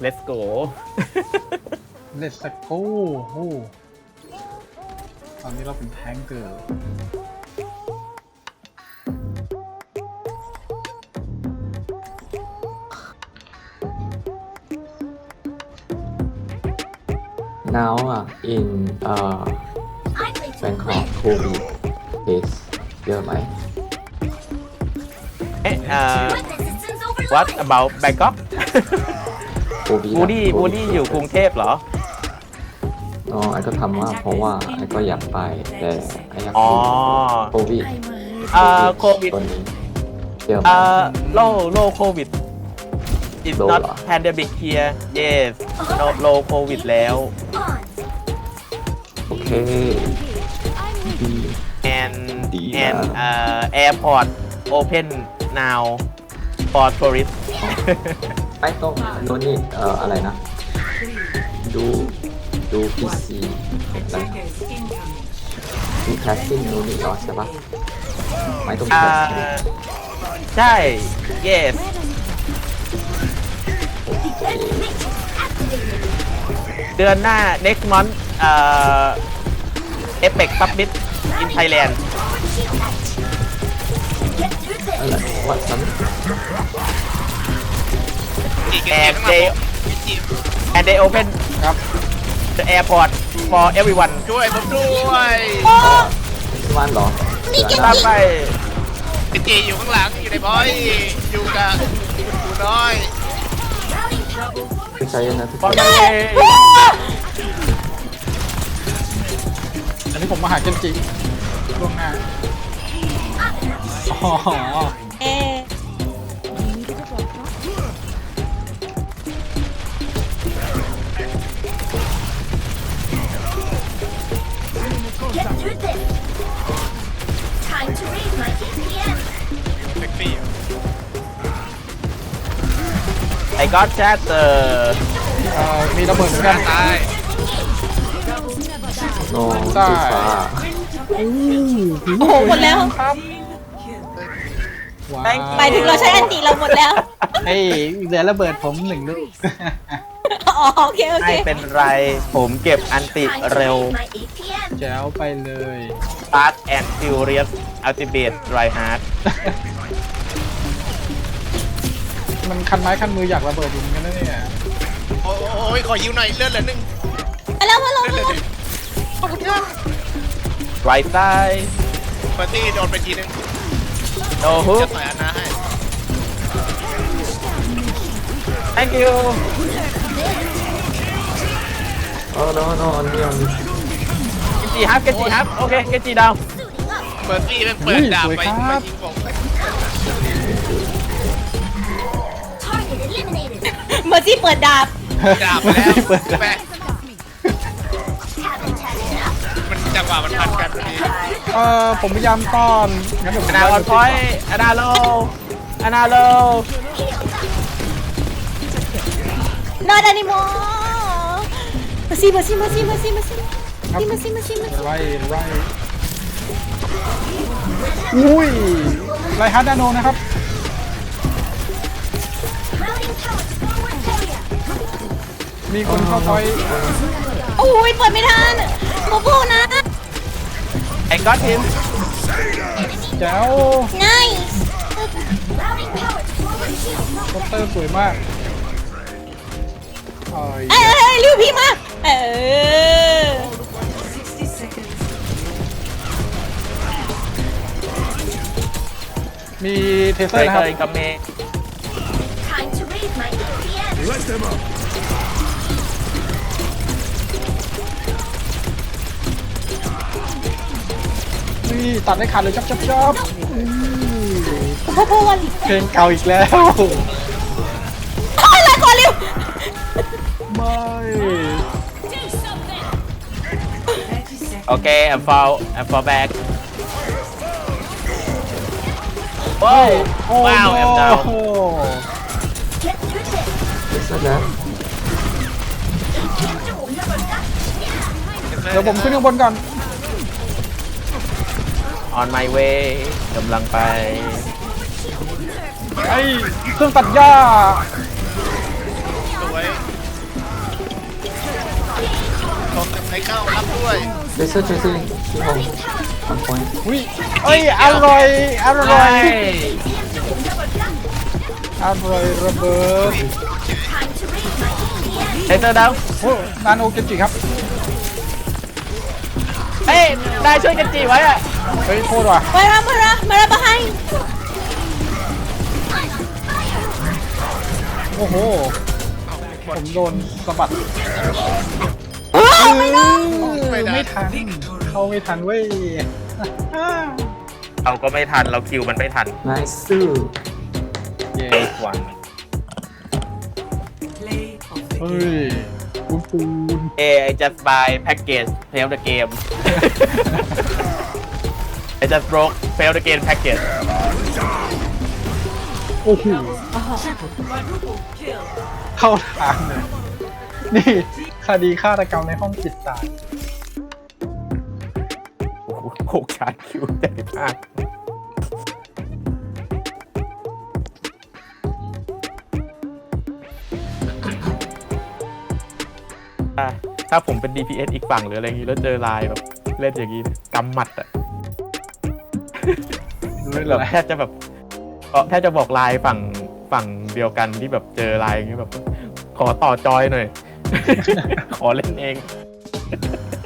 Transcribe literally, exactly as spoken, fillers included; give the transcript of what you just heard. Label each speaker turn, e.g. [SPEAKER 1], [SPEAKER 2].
[SPEAKER 1] let's go
[SPEAKER 2] เลสโก้โอ้ตอนนี้เราเป็นแทงเกอร์
[SPEAKER 3] now uh, in uh, Bangkok COVID case เยอะไหม
[SPEAKER 1] เอ๊ะเอ่อ what about Bangkok
[SPEAKER 3] โควิด
[SPEAKER 1] บูดี้บูดี้อยู่กรุงเทพเหรอ
[SPEAKER 3] อ๋อไอ้ก็ทำว่าเพราะว่าไอ้ก็อยากไปแต่ไอ้อยาก
[SPEAKER 1] อ๋อ
[SPEAKER 3] โควิด
[SPEAKER 1] เอ่อโควิด
[SPEAKER 3] ตัวนี้เยอะไหม
[SPEAKER 1] เอ่อโลโลโควิด it's
[SPEAKER 3] Low
[SPEAKER 1] not
[SPEAKER 3] เหรอ
[SPEAKER 1] pandemic here yes no low covid แล้ว
[SPEAKER 3] โอเคดี
[SPEAKER 1] and
[SPEAKER 3] ดีนะ
[SPEAKER 1] and เอ่อ airport open now for tourists
[SPEAKER 3] ไอ้ต้องโน่นนี่เอ่ออะไรนะ ดูดูพีซีอะไรนะดูแคสติ้งโน่นนี่เหรอใช่ปะไม่ต้องแค
[SPEAKER 1] อ่า
[SPEAKER 3] สติ้ง
[SPEAKER 1] ใช่ yes เดือนหน้า next month เอ่อ Apex Summit in Thailand
[SPEAKER 3] อะไรวัดซ้
[SPEAKER 4] จีเก
[SPEAKER 1] and
[SPEAKER 4] ม
[SPEAKER 1] they
[SPEAKER 4] จี
[SPEAKER 1] and they open
[SPEAKER 2] ครับ
[SPEAKER 1] the airport for everyone
[SPEAKER 4] ช่วยผมด้วย
[SPEAKER 3] ำวันเหรอเดือนห
[SPEAKER 1] ตา
[SPEAKER 3] น้าม
[SPEAKER 1] ไป
[SPEAKER 4] จีอยู่ข้างหลังอยู่ในบอยอยู่กับกูน้อย
[SPEAKER 3] ไม่ใช่นะทุก
[SPEAKER 1] บอ
[SPEAKER 3] ค
[SPEAKER 1] ล
[SPEAKER 3] น
[SPEAKER 1] ไป
[SPEAKER 2] อันนี้ผมมาหาเจนจิล่วงหน้าอ๋อ
[SPEAKER 5] Get through this. Time to raise my E P M.
[SPEAKER 4] เซ็กซี่
[SPEAKER 1] I got chat เอ่อ
[SPEAKER 2] เอ่อมีระเบิดเหมือนกัน
[SPEAKER 4] ตาย
[SPEAKER 3] โน้สีฟ้า
[SPEAKER 6] โอ้โหหมดแล้ว
[SPEAKER 2] ครับว้าว
[SPEAKER 1] Thank you
[SPEAKER 6] หมายถึงเราใช้อันติเราหมดแล้ว
[SPEAKER 2] เฮ้ยเหลือระเบิดผมหนึ่งลูก
[SPEAKER 6] อ๋อโอเคโอเค
[SPEAKER 1] ไม่เป็นไร ผมเก็บอันติ
[SPEAKER 5] Time to
[SPEAKER 1] เร็ว
[SPEAKER 5] raise my E P M.
[SPEAKER 2] แจ๋วไปเลย
[SPEAKER 1] Fast and Furious Ultimate Dry Hard
[SPEAKER 2] มันคันไม้คันมืออยากระเบิดอยู่เหมือนกันนะเนี่ย
[SPEAKER 4] โอ้ยขอยิ้วหน่อยเลือดเหลือหนึ่ง
[SPEAKER 6] มาแล้วมาแล้ว
[SPEAKER 4] เลือด
[SPEAKER 6] มา
[SPEAKER 4] เหลือ
[SPEAKER 6] แล้ว
[SPEAKER 4] หนึ่งขอบคุณครับ
[SPEAKER 1] Right side
[SPEAKER 4] เฟอร์ตี้โดนไปทีนึง
[SPEAKER 1] No
[SPEAKER 4] จะ
[SPEAKER 1] hook
[SPEAKER 4] ต่อยอันนาให้
[SPEAKER 1] Thank you
[SPEAKER 3] โอ้โน้โน้อันนี้อันนี้
[SPEAKER 1] เกจิฮับเกจิฮับโอเคเกจิดาว
[SPEAKER 4] เฟอร์ตี้เป็นเปิดดาบไปมายิงผม
[SPEAKER 5] Target eliminated.
[SPEAKER 6] เมอร์ซี่เปิดดาบ
[SPEAKER 4] ดาบไปแล้ว
[SPEAKER 2] ไม่เปิดดาบ
[SPEAKER 4] แปะ
[SPEAKER 5] Haven't had enough.
[SPEAKER 4] มันจังหวะมันพันกันพอดี
[SPEAKER 2] เอ่อผมพยายามต้อนงั้นเดี๋ยวผม
[SPEAKER 1] อนาออนพอยต์อนาโลอนาโล
[SPEAKER 6] not anymore เมอร์ซี่เมอร์ซี่เมอร์ซี่เมอร์ซี่เมอร์ซี่
[SPEAKER 2] ครับ
[SPEAKER 6] เมอร์ซี่เมอร์ซี่เมอร์ซี่
[SPEAKER 2] ไล่ไล่อุ้ยไล่ฮาร์ดนาโนนะครับ
[SPEAKER 5] Routing pellets forward area.
[SPEAKER 2] มีคนเข้าพอยต์
[SPEAKER 6] โอ้ยเปิดไม่ทันโมโบนะ
[SPEAKER 1] I got him
[SPEAKER 2] แจ๋ว
[SPEAKER 6] nice
[SPEAKER 5] Routing pellets forward shield.
[SPEAKER 2] โคเตอร์สวยมากเอ้ย
[SPEAKER 6] เอ้ยเอ้ยเอ้ยริวพี่มาเออ
[SPEAKER 2] มีเทเซ
[SPEAKER 1] เค
[SPEAKER 2] อร์
[SPEAKER 1] ย
[SPEAKER 2] นะ
[SPEAKER 1] เค
[SPEAKER 2] ครับ
[SPEAKER 1] ยกับเมย์
[SPEAKER 5] Time to raise my E P M.
[SPEAKER 2] นี่ตัดได้ขาดเลยจับจับจับ
[SPEAKER 6] โมโบวัน
[SPEAKER 2] เพลงเก่าอีกแล้ว
[SPEAKER 6] โอ้ยลาก่อนริว
[SPEAKER 2] ไม่
[SPEAKER 1] โอเค I'm fall I'm fall back ว้าว
[SPEAKER 2] โอ้
[SPEAKER 1] ว้าว
[SPEAKER 2] โ
[SPEAKER 1] I'm down
[SPEAKER 5] Get through this.
[SPEAKER 3] ไม่ใช่นะ
[SPEAKER 2] เดี๋ยวผมขึ้นข้างบนก่อน
[SPEAKER 1] on my way กำลังไป
[SPEAKER 2] ไอ้เครื่องตัดหญ้า
[SPEAKER 4] สวยผมกับไอ้เข้ารับด้วย
[SPEAKER 3] เซอร์เซอร์ที่ห้องทำพอย
[SPEAKER 2] อุ้ยเอ้ยอร่อยอร่อยอร่อยระเบิด
[SPEAKER 5] Time to read my E P
[SPEAKER 1] เทเซอร์ดาว
[SPEAKER 2] โอ้นาโนเกจิครับ
[SPEAKER 1] เฮ้ยได้ช่วยกันจีไว้อะ
[SPEAKER 2] เฮ้ยโคตรว่ะ
[SPEAKER 6] มาละมาละมาละมาให้
[SPEAKER 2] โอ้โหผมโดนสะบัด
[SPEAKER 6] ไม่ได้
[SPEAKER 2] ไม่ทันเข้าไม่ทันเว้ย
[SPEAKER 1] เราก็ไม่ทันเราคิวมันไม่ทัน
[SPEAKER 3] นายซื่อ
[SPEAKER 2] เย้หวันเฮ้ยปูนปูน
[SPEAKER 1] เอ I just buy package fail the game I just broke fail the game package
[SPEAKER 2] โอ้โหเข้าทางเลยนี่คดีฆาตกรรมในห้องปิดตาย
[SPEAKER 1] โอ้โหโคกชาร์จคิวใหญ่มากอ่ะถ้าผมเป็น ดี พี เอส อีกฝั่งหรืออะไรอย่างงี้แล้วเจอไลน์แบบเล่นอย่างงี้กำหมัดอะ
[SPEAKER 2] รู้เลย
[SPEAKER 1] แบบ
[SPEAKER 2] แหละ
[SPEAKER 1] แทบจะแบบเออแทบจะบอกไลน์ฝั่งฝั่งเดียวกันที่แบบเจอไลน์อย่างงี้แบบ ขอต่อจอยหน่อย ขอเล่นเอง